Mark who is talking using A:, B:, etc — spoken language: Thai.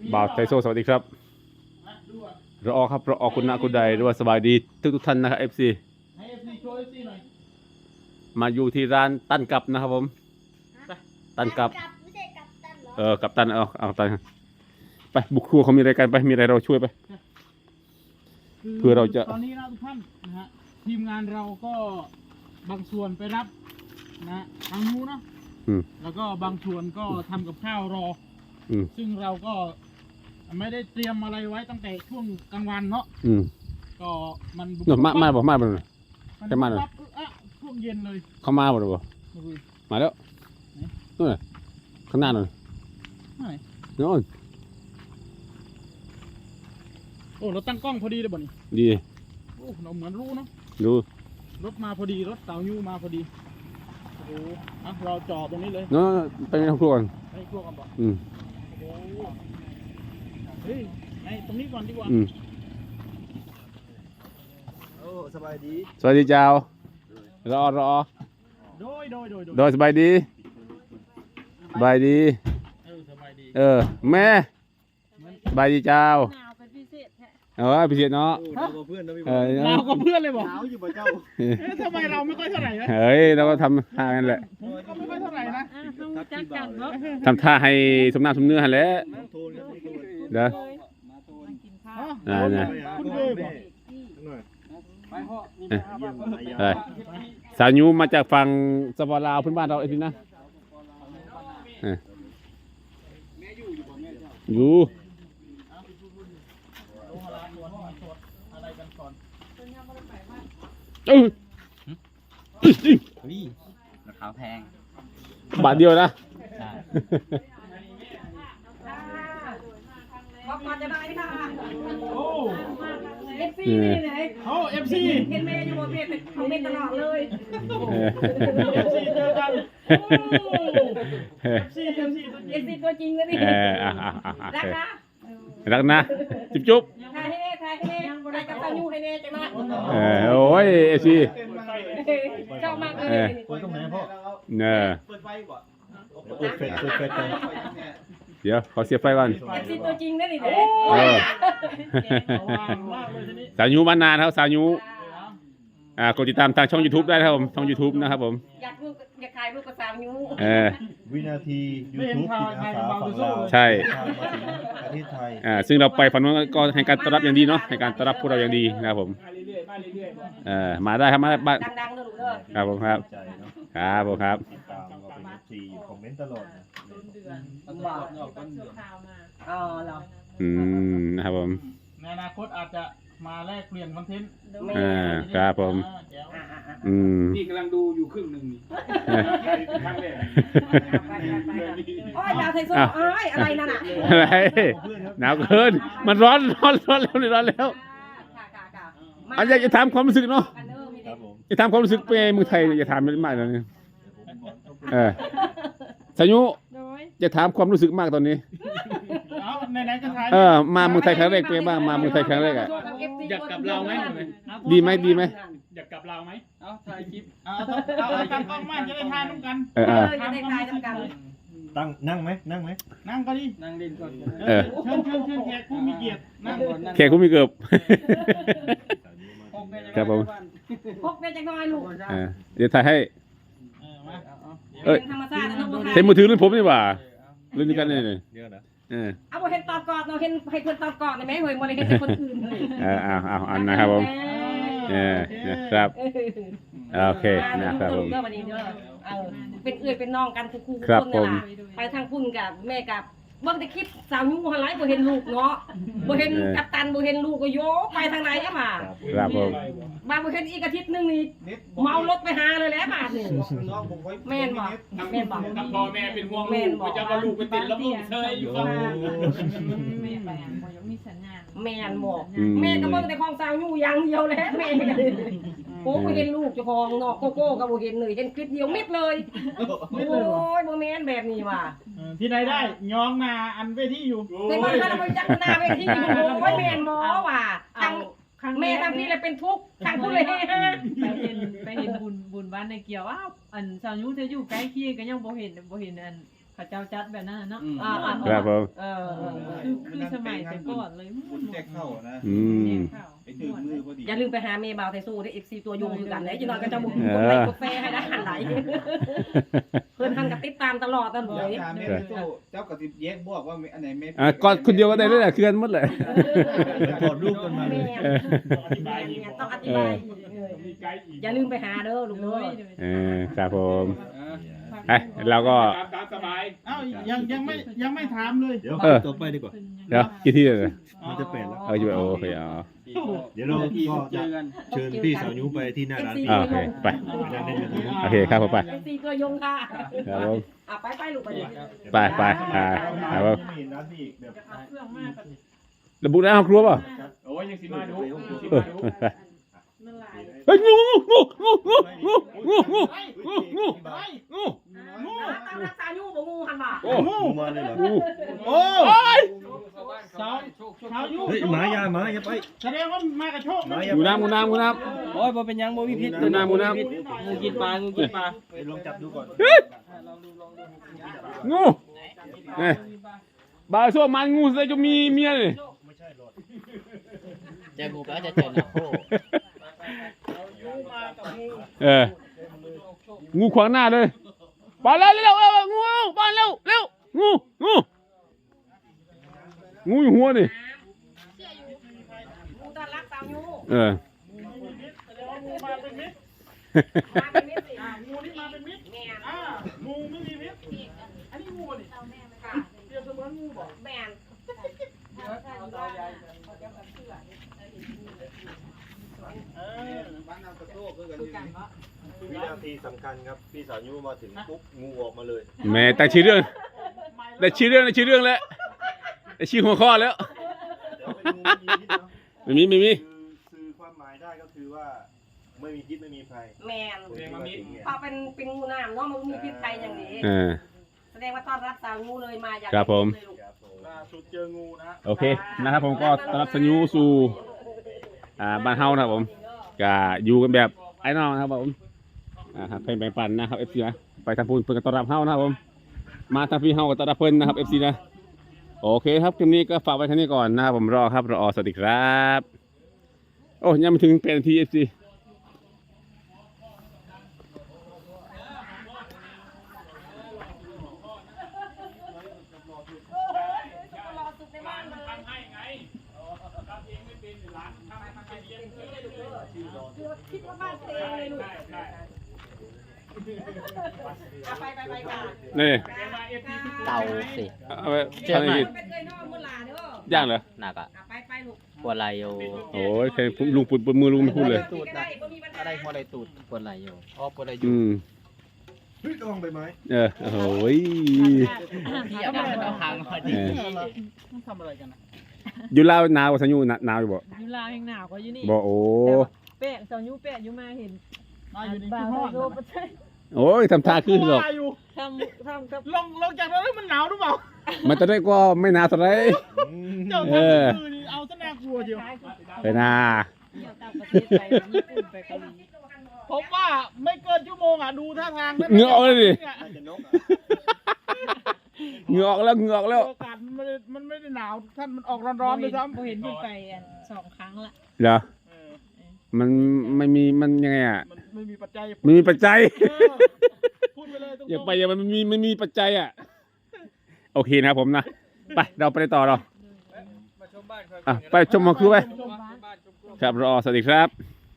A: บ่าวไทโซสวัสดีครับรอครับรอคุณนะคุณใดหรือว่าสบายดีทุกท่านนะครับ FC
B: ให้ FC โชว์ FC หน่อย
A: มาอยู่ที่ร้านตั้นกับนะครับผมตั้นกับ
C: ไม่ใช่กับตันเหรอ
A: กับตันเอาตันไปบุกครัวเขามีอะไรกันไปมีอะไรเราช่วยไป เพื่อเราจะ
B: ตอนนี้นะทุกท่านนะฮะทีมงานเราก็บางส่วนไปรับนะทางนู้นเนาะ แล้วก็บางส่วนก็ทำกับข้าวรอ ซึ่งเราก็ไม่ได้เตรียมอะไรไว้ตั้งแต่ช่วงกลางวันเนาะก็มัน
A: เนอะมาบ่
B: มัน
A: จะมาเลย
B: ปั๊บช่วงเย็นเลย
A: เขามาบ่หรือเปล่ามาแล้วนู่นน่ะข้างหน้านู่น
B: ไหน
A: นู่น
B: โอ้เราตั้งกล้องพอดีเลยบ่นี่
A: ดี
B: โอ้เราเหมือนรู้เนาะ
A: ดู
B: รถมาพอดีรถเต่ายูมาพอดีโอ้อ่ะเราจอดตรงนี้เลย
A: นู่นไปในครัวก่อน
B: ให้พวกกันบอก
A: อืม
B: โอ้เฮ้ยไอ้ตรงนี้ก่อนดีกว่า
D: โอ้สบายดี
A: สวัสดีเจ้ารอ
B: โดย
A: โดยสบายดีสบายดี
B: สบายดี
A: แม่สบายดีเจ้า
C: หนาวเป็นพิเศษแท้
A: พิเศษเนาะ
D: โอ้เราเพื่อนเราไม่บ
A: เอ
D: อก
A: อ
B: เรากับเพื่อนเลยบอก
D: หนาวอยู่บ่เจ้า
B: ทำไมเราไม่ค่อยเท่าไหร่นะ
A: เฮ้ยเราก็ทำท่ากันแหละ
B: ผมก็ไม่ค่อยเท่าไหร่นะ
C: ต้องจักกันเนาะ
A: ทำท่าให้สมน้ำสมเนื้อหันแหล้ว
D: โทนครับโทน
A: เด้อ
C: กินข้าว
A: น่ะ
B: คุณเคยบอก
D: หน่อย
A: เอ้ย
D: เยี่ยมนาย
A: เอ้ยสาวยูมาจากฝั่งสปปลาวเพื่อนบ้านเราไอ้พี่นะอยู่
B: อะไรกันก่อน
A: เอ้ย
E: นี่ราคาแพง
A: บาทเดียวนะ
E: ใช่
C: บอกก่อนจะได้ค่ะ
B: โอ้
C: เอฟซีนี่ไหน
B: เขาเอฟซี
C: เห็นเมย์อยู่บนเพจเขาเมย์ตลอดเลย
B: เอฟซีเจอกันเอฟซี
C: เอฟซีตัวจริงนะนี่ รักนะ
A: รักนะจุ๊บ
C: ถ่ายให้เน่ถ่ายกับตายูให้เน่จังนะ
A: โอ้ยเอซี
C: ชอบมากเลย
D: เปิดตรงไหนพ่อ
A: เนี่ย
D: เปิดไฟก่อนเปิดเฟซก่อน
A: เดี๋ยวขอเสียบไฟก่อน
C: เอฟซีตัวจริงนะนี่เด้
B: มากเลยทีนี้
A: สาวยูมานานครับสาวยูกดติดตามทางช่อง YouTube ได้นะครับผมช่อง YouTube นะครับผม
C: อยากถ่ายรูปกับสาวยู
D: วินาที YouTube จิตอาสาฝั่งลาว
A: ใช่
D: ทางมาถึงประเทศไทย
A: ซึ่งเราไปฝั่งนู้นก็ให้การต้อนรับอย่างดีเนาะให้การต้อนรับพวกเราอย่างดีนะครับผม
B: มาเรื่อยๆมาเรื่อยๆ
A: มาได้ครับมาได้บ้าน
C: ดังๆนะลูกเด้อ
A: ครับผมครับ
D: ใจเนาะ
A: ครับผมครับ
D: ติดตามเราเป็น FC คอมเมนต์ตลอดนะ
C: อ๋อเหรอ
A: นะครับผม
B: ในอนาคตอาจจะมาแลกเปลี่ยนคอนเทนต์
A: ครับผม
B: แจ๋ว
E: นี่กำลังดูอยู่ครึ่งหนึ่งนี่ครั้งแรก
C: โอ้ยดาวไทยโซ่โอ้ยอะไรนั่นอ่ะ
A: อะไรหนาวเกินมันร้อนแล้วนี่ร้อนแล้วอันอยากจะถามความรู้สึกเนาะ
D: ครับผม
A: จะถามความรู้สึกเป็นไงเมืองไทยอย่าถามมันมากเลยสายุจะถามความรู้สึกมากตอนนี้
B: เอาไหนๆก็ถ่าย
A: มาเมืองไทยครั้งแรกเป็นไงบ้างมาเมืองไทยครั้งแรกอ่ะ
E: อยากกลับเราไหม
A: ดีไหม
E: อยากกลับเราไหมเอาถ่ายคลิป
B: เอาตั้งกล้องมากจะได้ถ่ายร่วมกัน
C: จะได้ทายกัน
D: ตั้งนั่งไหม
B: นั่งก็ดี
E: นั่งเล่นก่อน
B: เชิญแขกผู้มีเกียรตินั่ง
A: แขกผู้มีเกือบ ครับผม
C: พกได้จังน้อยลูก
A: เดี๋ยวถ่ายให้
B: มา
C: ธรรมชาตินะน้อง
A: เห็นมือถือรุ่นผมนี่หว่ารุ่นนี้กันนี่
D: เดี๋ยวนะ
C: เอาเห็นตอบกอดเราเห็นให้คนตอบกอดได้ไหมเฮ้ยโมเดลเห็นคนอื่นเลย
A: อันนะครับผมนะครับโอเคนะครับผม
C: เด้อวันนี้เด้อเป็นเอื้อยเป็นน้องกันคู่ๆ
A: ครับ
C: คน
A: ผ
C: นี่
A: ม
C: ล่ะไปทางคุณกับแม่กับบ่ได้คิดสาวยูหันไหลบ่เห็นลูกเนาะบ่เห็นกัปตันบ่เห็นลูกก็โยไปทางไหนอะมา
A: ครับผม
C: บางบ่เห็นอีกอาทิตย์นึงนี่เมารถไปหาเลยแหละบาดนี่แม่นบ่แม่นบ่
E: กับพ่อแม่เป็นห่วงลูกจะมาลูกไปติดแล้วลูกเชยอยู่ฝั่ง
C: แม่นบ่แม่ก็เบิ่งแต่ของสาวยูอย่างเดียวแหละแม่ก็โอ้บ่เห็นลูกเจ้าของเนาะโกโก้ก็บ่เห็นเลยเห็นคลิปเดียวมิดเลยโอ้ยบ่แม่นแบบนี้ว่ะ
B: ที่ไหนได้ย้องนาอันเวทีอยู่
C: แต่ว่าถ้าเราไปจัดหน้าเวทีโอ้ยแม่นบ่ว่ะทั้งแม่ทั้งพี่เลยเป็นทุกข์ทั้งผู้เลย
F: ไปเห็นบุญบ้านในเกี่ยวอ้าวอันสาวยุเธออยู่ใกล้เคียงก็ยังบ่เห็นอันเขาเจ้าจัดแบบนั้นเนาะ
A: ครับผม
F: คือสมัยแต่ก่อนเลย
D: บุญแจกเข้านะ
A: อืม
D: ไปถึงมือพอดี
C: อย่าลืมไปหาเมย์บาวไทสู้ได้ FC ตัวยงคือกันนะจีนอนก็จะบุกกดไลค์กดแฟให้ได้หันไหลเพื่อนทันกับติดตามตลอดตลอด
D: เจ้าตามแม่ไปสู้เจ้ากับสิบแยกบอกว่าอันไหนแม่
A: กอดคนเดียวก็ได้เลยแหละเคลื่อนหมดเลย
D: ถอดรูปกันมาเลย
C: ต้องอธิบายอย่าลืมไปหาเด้อลุงเด้อ
A: ครับผมเราก็
E: ตามสบาย
B: เอ้ายังไม่ถามเลย
D: เดี๋ยวต่อไปดีกว่า
A: เดี๋ยวกี่ที่เลย
D: มันจะเป็นแล้ว
A: อยู่โอเคอ๋อ
D: เดี๋ยวเราก็จะเชิญพี่สาวยุไปที่หน้าร้าน
A: โอเคไป โอเคครับผมไป
C: FC ตัวยงค่ะ
A: ครับผม
C: ไปลูกไป
A: ไปครับผม
D: มีร้านที่แบบ
A: ระบุได้ห้องครัวเปล่ะ
E: โอ้ยยังสิมาดู
A: เฮ้ยงู
C: ตามรักษาอยู่บ่งูหันบ่
D: งูมาเลยเหรอ
B: โอ้
E: สาว
B: ชาวยุ
D: เฮ้ยหมายาไป
B: แสดงว่ามากับโชค
A: งูน้ำ
G: โอ้ยบ่เป็นหยังบ่มีพิษ
A: งูน้ำ
G: งูกินปลางูกินปลา
D: ลองจับดูก่อน
A: งูนี่บาช่วงมันงูจะมีเมียเลย
G: เจองูก็จะเจอหน้าโค
A: งูขวางหน้าเลยไปเร็วงูไปเร็วงูอยู่หัวนี่
C: งูตารักษาอยู่
B: งูมาเป็นมิตร
C: มาเป็นมิตรสิ
B: งูนี่มาเป็นมิตร
C: แม่
B: งูไม่มีพิษอันนี้งูนี่เปรียบเสมือนงูบ่
C: แม่น
D: บ้านน้ำกระโตกคือกันวินาทีสำคัญครับพี่สาวยุมาถึงปุ๊บงูออกมาเลย
A: แม่แต่ชื่อเรื่องแล้วได้ชื่อหัวข้อแล้ว
D: เดี๋ยวเป็นงู
A: ไม่มี
D: สื่อความหมายได้ก็คือว่าไม่มีพิษไม่มีภัย
C: แม่นพอเป็นงูน้ำเนาะมันมีพิษภัยอย่างนี้แสดงว่าต้อนรับสาวงูเลยมาอยาก
A: ครับผม
B: ล่าสุดเจองูนะ
A: โอเคนะครับผมก็ต้อนรับสัญญูสู่บ้านเฮานะครับผมก็อยู่กันแบบไอ้น้องนะครับผมครับเพลงแบ่งปันนะครับ FC นะไปทางพูนเพื่อนต้อนรับเฮานะครับผมมาทางพี่เฮาก็ต้อนรับเพิ่นนะครับ FC นะโอเคครับคลิปนี้ก็ฝากไว้แค่นี้ก่อนนะครับผมรอสวัสดีครับโอ้ยังไม่ถึงเป็นที FC
C: คิดว่าบ้านเองเลยลูกไปกัน
A: นี่
G: เต่าสิ
A: เอาไปทำอะไรกิน
C: เป็นเลยนอกมุลาเด้อ
A: ย่างเหรอ
G: หนักอ่ะ
C: ไปลูก
G: ปวดไหล่อยู่
A: โอ้ยเพลงลุงปุ่นมือลุงไม่พูดเลย
G: ตูด
C: ได้บ่มีปัญหา
G: อะไรหัวไหล่ตูดปวดไหล่อยู่อ๋อปวดไหล่อยู่
D: เฮ้ยต้องไปไหม
A: โอ้ย
G: พี่อยากให้เราทางพอดี
B: ต้องทำอะไรกันนะ
A: อยู่ลาวหนาวกว่าสัญญูหนาวอยู่บ่
F: อยู่ลาวแห่งหนาวกว่าอยู่นี่
A: บ่โอ้
F: แป้สาวยูแป้อยู่มาเห็น
B: มาอยู่ใน
F: บ่า
B: ที่
F: ว
B: ห้อง
F: โซปะใช่
A: โอ้ยทำท่าขึ้นหรอก
B: ว่าอยู่
F: ทำกับ
B: ลงจากรถแล้วมันหนาวหรือเปล่า
A: มันจะได้ก็ไม่หนาวเท่าไหร
B: เจ้าทำคือนี่เอาซะน่ากลัวเดียว
A: ไปนา
F: เที่ยวต่างประเทศไปญี่ปุ่นไปเกาหลี
B: ผมว่าไม่เกินชั่วโมงอ่ะดูท่าทาง
A: เหงื่อออกเลยดิ
D: น่าจะนกอ่ะ
A: เหงื่อออกแล้ว
B: อากาศมันไม่ได้หนาวท่านมันออกร้อนๆเลยซ้ำ
F: บ่เห็นขึ้นไป2 ครั้งละ
A: เหรอมันไม่มีมันยังไงอ่ะ
B: มันไม่มีปัจจัย
A: ไม่มีปัจจัย
B: พูดไปเลยตรง
A: อย่าไปอย่ามันมีปัจจัยอ่ะโอเคนะครับผมนะไปเราไปต่อเรา
G: มาชมบ้านครับ
A: ไปชมมาคือไปครับรอสวัสดีครับ